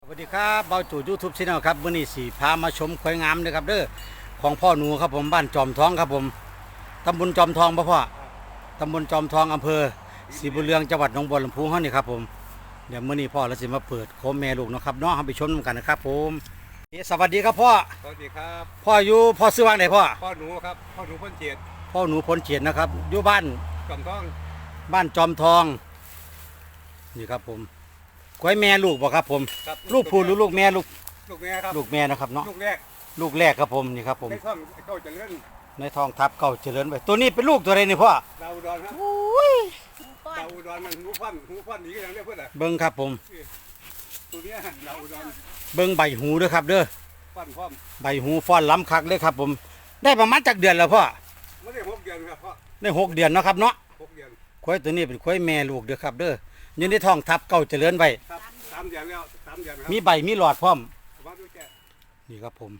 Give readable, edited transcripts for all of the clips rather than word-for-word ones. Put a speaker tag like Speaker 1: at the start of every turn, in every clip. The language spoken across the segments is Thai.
Speaker 1: วัสดีครับเบาจู่ยูทูบช anel ครับวันนี้สีพามาชมควายงามนะครับเด้อของพ่อหนูครับผมบ้านจอมทองครับผมตำบลจอมทองพ่อตำบลจอมทองอำเภอศรีบุญเรืองจังหวัดหนองบัวลำพูเฮานี่ครับผมเดี๋ยวมื้อนี้พ่อเราสิมาเปิดโคมแม่ลูกนะครับน้องเราไปชมกันนะครับผมสวัสดีครับพ่อ
Speaker 2: สวัสดีครับ
Speaker 1: พ่อซื้อวางไหนพ่อ
Speaker 2: หนูครับพ่อหนูพ้นเจียด
Speaker 1: พ่อหนูพ้นเฉียดนะครับอยู่บ้าน
Speaker 2: จอมทอง
Speaker 1: บ้านจอมทองนี่ครับผมควายแม่ลูกบ่ครับผมลูกผู้หรือลูกแม่ลูก
Speaker 2: แม่ครับ
Speaker 1: ลูกแม่นะครับเนาะ
Speaker 2: ลูกแรก
Speaker 1: ครับผมนี่ครับผม
Speaker 2: ในท้องเขาจะเลื่อน
Speaker 1: ในทองทับเก่าเจริญไปตัวนี้เป็นลูกตัวอะไรนี่พ่อ
Speaker 2: ดาวอุดรครับดาวอุดรมันหูฟันหนีกันอย่างนี้เพื่อนอะ
Speaker 1: เบิ้งครับผม
Speaker 2: ตัวนี้ดาวอุดร
Speaker 1: เบิ้งใบหูด้วยครับเด้อ
Speaker 2: ฟันพร้อม
Speaker 1: ใบหูฟ้อนล้ำคักเลยครับผมได้ประมาณจากเดือนแล้วพ่อ
Speaker 2: ไม่ได้6 เดือนครับพ่อ
Speaker 1: ได้6 เดือนเนาะครับเนาะ
Speaker 2: 6 เดือน
Speaker 1: ควายตัวนี้เป็นควายแม่ลูกเด้อครับเด้อยืนในท้องทับเก่าเจริญไว้
Speaker 2: ครับ3 เดือนแล้ว3 เดือนครับ
Speaker 1: มีใบมีหลอดพร้อม
Speaker 2: มาดูแก
Speaker 1: นี่ครับผม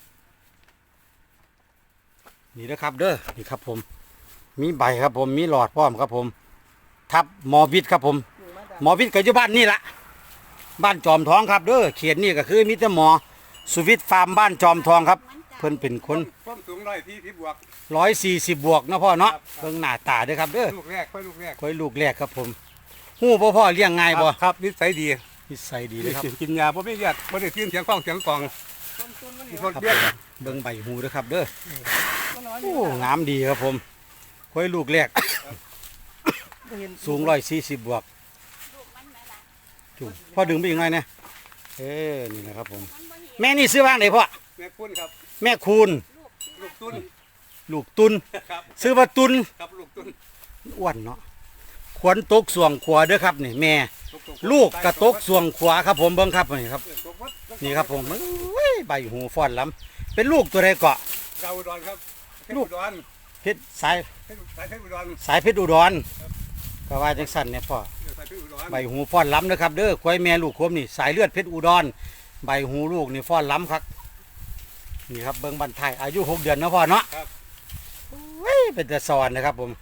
Speaker 1: นี่นะครับเด้อนี่ครับผมมีใบครับผมมีหลอดพร้อมครับผมทับหมอวิทย์ครับผมหมอวิทย์ก็อยู่บ้านนี่ละบ้านจอมทองครับเด้อเขียนนี่ก็คือมิตรหมอสุวิทย์ฟาร์มบ้านจอมทองครับเพิ่นเป็นคน
Speaker 2: ความสูง140 บวก
Speaker 1: 140 บวกนะพ่อเนาะเบิ่งหน้าตาเด้อครับเด้อ
Speaker 2: ลูกแรกค่อยลูกแรก
Speaker 1: ครับผมฮู้พ่อเลี้ยงง่ายบ่
Speaker 2: ครับนิสัยดี
Speaker 1: เลยครับ
Speaker 2: กินยาบ่มีเลือดบ่ได้ยินเสียงกล้องเสียงกล่อง
Speaker 1: เบิ่งใบหูเด้อครับเด้อโอ้งามดีครับผมควายลูกแรกสูง140 บวกจุพ่อดึงไปอีกหน่อยนะนี่นะครับผมแม่นี่ซื้อบ้างไหนพ่อ
Speaker 2: แม่คุณครับ
Speaker 1: แม่คูณ
Speaker 2: ลูกตุน
Speaker 1: ซื้อว่าตุน
Speaker 2: ครับลูกตุน
Speaker 1: อ้วนเนาะขวนตกส่วงขวาเด้อครับนี่แม่ลูกกระตกส่วงขวาครับผมเบิ่งครับนี่ครับนี่ครับผมใบหูฟ้อนล้ำเป็นลูกตัวใดเกาะ
Speaker 2: ดาวอุดรครับ
Speaker 1: ลูกเพชรสาย
Speaker 2: เพชรอุดร
Speaker 1: ก็ว่าจังสั่นเนี่ยพ่อใบหูฟ้อนล้ำนะครับเด้อควายแม่ลูกคมนี่สายเลือดเพชรอุดรใบหูลูกนี่ฟ้อนล้ำครับนี่ครับเบิ้งบันทายอายุ6 เดือนนะพ่อเนาะเป็นแต่สอนนะครับผม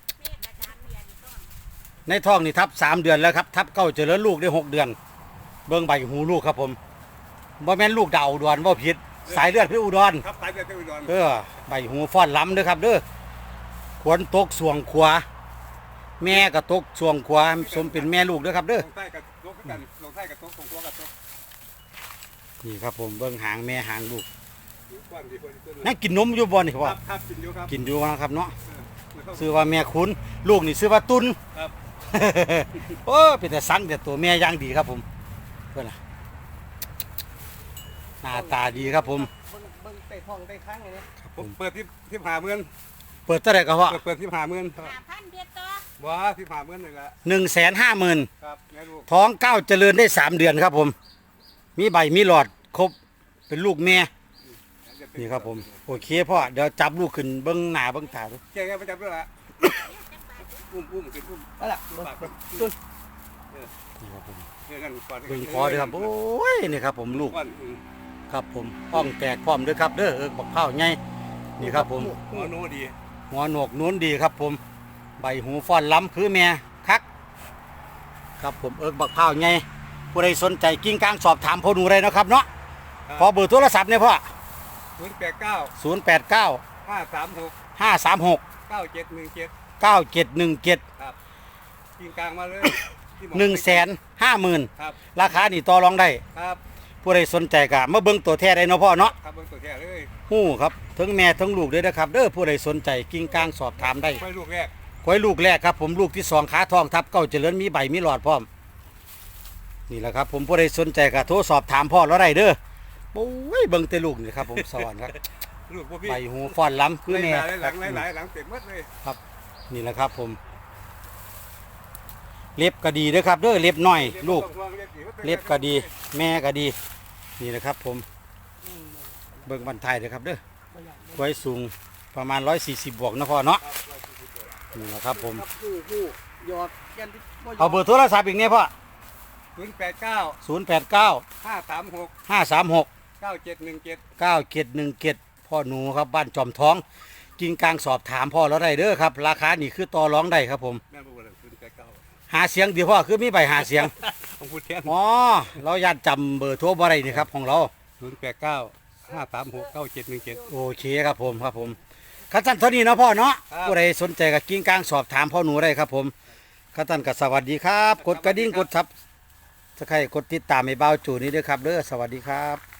Speaker 1: ในท้องนี่ทับ3 เดือนแล้วครับทับเก้าเจริญลูกได้6 เดือนเบิ้งใบหูลูกครับผมบ่แม่นลูกดาวอุดรบ่ผิดสายเลือดเพชรอุดร
Speaker 2: ครับสายเลือดเพชรอุดร
Speaker 1: ใบหูฟ้อนล้ำเด้อครับเด้อขวนตกส่วงขวาแม่ก็ตกส่วงขวาสมเป็นแม่ลูกเด้อครับเด้อ
Speaker 2: ลงใต้กับตกกันลงใต้กับตกส่งตัวกับตก
Speaker 1: นี่ครับผมเบิ้งหางแม่หางลูกนั่งกินนมอยู่บ่นี่ครับกินอยู่นะครับเนาะซื้อว่าแม่คุณลูกนี่ซื้อว่าตุนโอ้เป็นแต่สังแต่ตัวแม่ย่างดีครับผมเพื่อนหน้าตาดีครับผม
Speaker 2: เบิ้งเตะทองเตะข้างอย่างนี้ผมเปิดที่50,000
Speaker 1: เปิดเท่าไหร่ก็ว่า
Speaker 2: เปิดที่50,000ว้าที่50,000เลยละ
Speaker 1: 150,000
Speaker 2: ครับ
Speaker 1: ท้อง9เจริญได้3 เดือนครับผมมีใบมีหลอดครบเป็นลูกแม่นี่ครับผมโอเคพ่อเดี๋ยวจับลูกขึ้นเบิ้งหน้าเบิ้งตาดู
Speaker 2: แกไปจับด้วยละอุ้มขึ้น
Speaker 1: อะไร
Speaker 2: ตุ้น
Speaker 1: นี่ครับผมเบิ้งคอด้วยครับโอ้ยนี่ครับผมลูกครับผมห้องแตกพร้อมด้วยครับเด้อบักเผาไงนี่ครับผม
Speaker 2: หัวโนดี
Speaker 1: หัวโหนกนู้นดีครับผมใบหูฟ้อนล้ำคือแม่คักครับผมบักเผาไงผู้ใดสนใจกิ้งก้างสอบถามพ่อหนูเลยนะครับเนาะขอเบอร์โทรศัพท์เนี่ยพ่อ089 536 9717
Speaker 2: ครับกิ้งก้างมาเลย
Speaker 1: 150,000ราคานี่ต่อรองได้
Speaker 2: ครับ
Speaker 1: ผู้ใดสนใจก็มาเบิ่งตัวแท้ได้เนาะพ่อเนาะ
Speaker 2: ครับเบิ่งตัวแท้เลย
Speaker 1: ฮู้ครับทั้งแม่ทั้งลูกเลยนะครับเด้อผู้ใดสนใจกิ้งก้างสอบถามได้
Speaker 2: ควายลูกแรก
Speaker 1: ครับผมลูกที่2ขาทองทับเก้าเจริญมีใบมีหลอดพร้อมนี่แหละครับผมผู้ใดสนใจก็โทรสอบถามพ่อแล้วได้เด้อโอ้ยเบิ่งแต่ลูกนี่ครับผมสวรรค์ครับใบหูฟ้อนล้ำคือแม่
Speaker 2: หลังเต็มหมดเลย
Speaker 1: ครับนี่แหละครับผมเล็บก็ดีเด้อครับเด้อเล็บน้อยลูกเล็บก็ดีแม่ก็ดีนี่แหละครับผมเบิ่งบันทายเด้อครับเด้อไว้สูงประมาณ140 บวกนะพ่อเนาะนี่แหละครับผมเอาเบอร์โทรศัพท์อีกเนี่ยพ่อ089 536 9717พ่อหนูครับบ้านจอมท้องกิ้งกลางสอบถามพ่อแล้วได้เด้อครับราคานี่คือต่อรองได้ครับผมหาเสียงเดี๋ยวพ่อคือมีใบหาเสียง
Speaker 2: ของผู้แทน
Speaker 1: อ๋อเราอยากจำเบอร์โทรบ่ได้นี่ครับของเรา
Speaker 2: 089 536 9717
Speaker 1: โอเคครับผมครับผมขั้นตอนเท่านี้เนาะพ่อเนาะ
Speaker 2: ครับ
Speaker 1: ผู้ใดสนใจกับกิ้งกลางสอบถามพ่อหนูได้ครับผมขั้นตอนก็สวัสดีครับ กดกระดิ่งกดซับสไครต์กดติดตามให้เบาจู่นี้ด้วยครับเด้อสวัสดีครับ